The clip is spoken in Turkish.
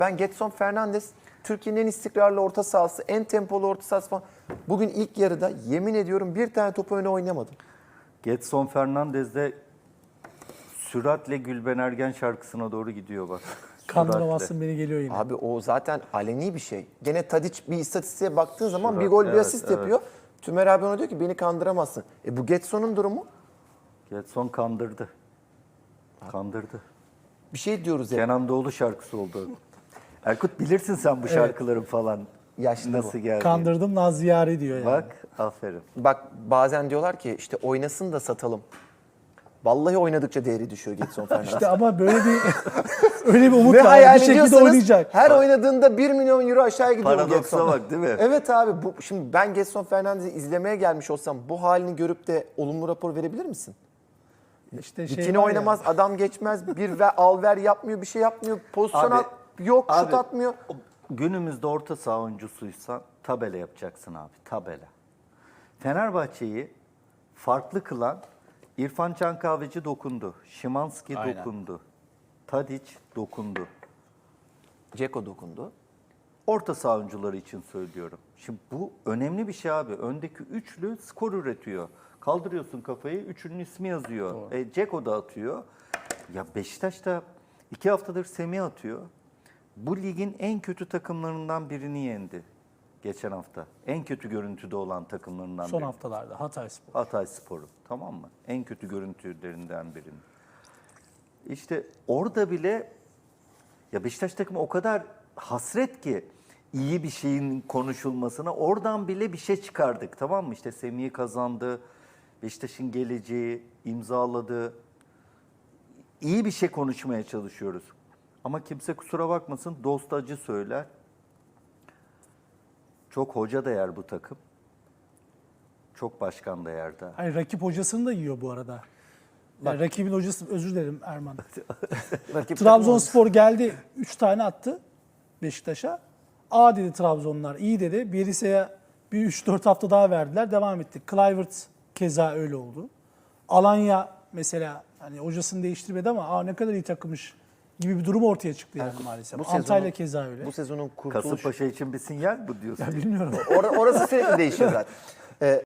Ben Gedson Fernandes Türkiye'nin en istikrarlı orta sahası, en tempolu orta sahası falan. Bugün ilk yarıda yemin ediyorum bir tane topu öne oynamadım. Gedson Fernandes de süratle Gülben Ergen şarkısına doğru gidiyor bak. Kandıramazsın beni geliyor yine. Abi o zaten aleni bir şey. Gene Tadic bir istatistiğe baktığın zaman bir Sürat, gol bir evet, asist evet. yapıyor. Tümer abi ona diyor ki beni kandıramazsın. Bu Gedson'un durumu Gedson kandırdı. Kandırdı. bir şey diyoruz hep. Kenan Doğulu şarkısı oldu. Erkut bilirsin sen bu şarkıların falan. Yaşlı Nasıl bu. geldi? Kandırdım Naziyari diyor yani. Bak aferin. Bak bazen diyorlar ki işte oynasın da satalım. Vallahi oynadıkça değeri düşüyor Gedson Fernandes. İşte ama böyle bir öyle bir umut Ve var. hayal Bir şekilde ediyorsanız oynayacak. her oynadığında 1 milyon euro aşağıya gidiyor bu Paradoksa Gedson. bak, değil mi? Evet abi şimdi ben Gedson Fernandes'i izlemeye gelmiş olsam bu halini görüp de olumlu rapor verebilir misin? İşte Dikine var ya, oynamaz, adam geçmez, bir ve al ver yapmıyor, bir şey yapmıyor, pozisyon Abi, yok, şut abi, atmıyor. Günümüzde orta saha oyuncusuysan tabela yapacaksın abi. Tabela. Fenerbahçe'yi farklı kılan İrfan Can Kahveci dokundu. Şimanski Aynen. dokundu. Tadic dokundu. Dzeko dokundu. Orta saha oyuncuları için söylüyorum. Şimdi bu önemli bir şey abi. Öndeki üçlü skor üretiyor. Kaldırıyorsun kafayı, üçünün ismi yazıyor. Dzeko da atıyor. Ya Beşiktaş da 2 haftadır Semih atıyor. Bu ligin en kötü takımlarından birini yendi geçen hafta. En kötü görüntüde olan takımlarından son biri. haftalarda Hatayspor. Hatayspor'u, tamam mı? En kötü görüntülerinden birini. İşte orada bile ya Beşiktaş takımı o kadar hasret ki iyi bir şeyin konuşulmasına, oradan bile bir şey çıkardık, tamam mı? İşte Semih'i kazandı, Beşiktaş'ın geleceği imzaladı. İyi bir şey konuşmaya çalışıyoruz. Ama kimse kusura bakmasın, dost acı söyler. Çok hoca da yer bu takım. Çok başkan da yer daha. Hayır, rakip hocasını da yiyor bu arada. Yani rakibin hocası, özür dilerim Erman. Rakip Trabzonspor geldi 3 tane attı Beşiktaş'a. A dedi Trabzonlar, iyi dedi. Bielitsa'ya bir 3-4 hafta daha verdiler, devam etti. Kluivert keza öyle oldu. Alanya mesela hani hocasını değiştirmedi ama ne kadar iyi takımmış gibi bir durum ortaya çıktı yani maalesef. bu Antalya sezonun- keza öyle. Bu sezonun kurtuluş... Kasımpaşa için bir sinyal bu diyorsun. Ya bilmiyorum. Orası sürekli değişiyor zaten.